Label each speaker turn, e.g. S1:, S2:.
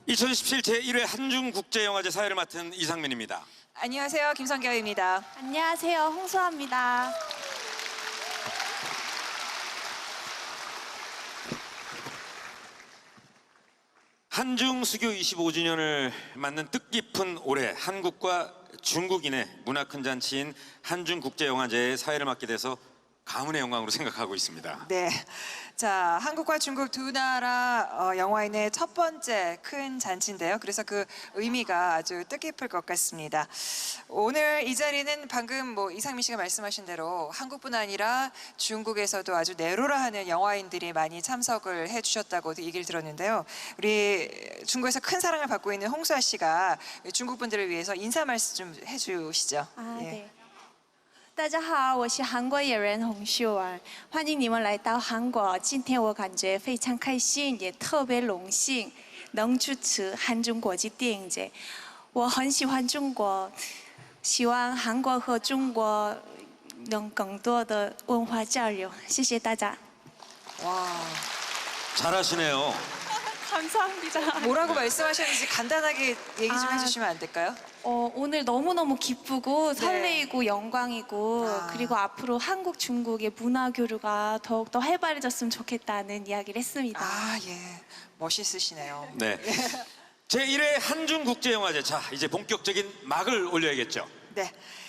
S1: 2017 제1회 한중국제영화제 사회를 맡은 이상민입니다.
S2: 안녕하세요, 김성경입니다.
S3: 안녕하세요, 홍수아입니다.
S1: 한중수교 25주년을 맞는 뜻깊은 올해 한국과 중국인의 문화 큰 잔치인 한중국제영화제의 사회를 맡게 돼서 가문의 영광으로 생각하고 있습니다.
S2: 네, 자 한국과 중국 두 나라 영화인의 첫 번째 큰 잔치인데요. 그래서 그 의미가 아주 뜻깊을 것 같습니다. 오늘 이 자리는 방금 이상민 씨가 말씀하신 대로 한국뿐 아니라 중국에서도 아주 내로라 하는 영화인들이 많이 참석을 해주셨다고 얘기를 들었는데요. 우리 중국에서 큰 사랑을 받고 있는 홍수아 씨가 중국 분들을 위해서 인사 말씀 좀 해주시죠.
S3: 对。大家好，我是韩国演员洪秀儿，欢迎你们来到韩国。今天我感觉非常开心，也特别荣幸能主持韩中国际电影节。我很喜欢中国，希望韩国和中国能更多的文化交流。谢谢大家。
S2: 와,
S1: 잘하시네요.
S3: 감사합니다.
S2: 뭐라고 말씀하셨는지 간단하게 얘기 좀 해주시면 안 될까요?
S3: 오늘 너무너무 기쁘고 설레이고 영광이고
S2: 아.
S3: 그리고 앞으로 한국 중국의 문화 교류가 더욱더 활발해졌으면 좋겠다는 이야기를 했습니다.
S2: 아, 예, 멋있으시네요.
S1: 네. 제1회 한중국제영화제, 자 이제 본격적인 막을 올려야겠죠.
S2: 네.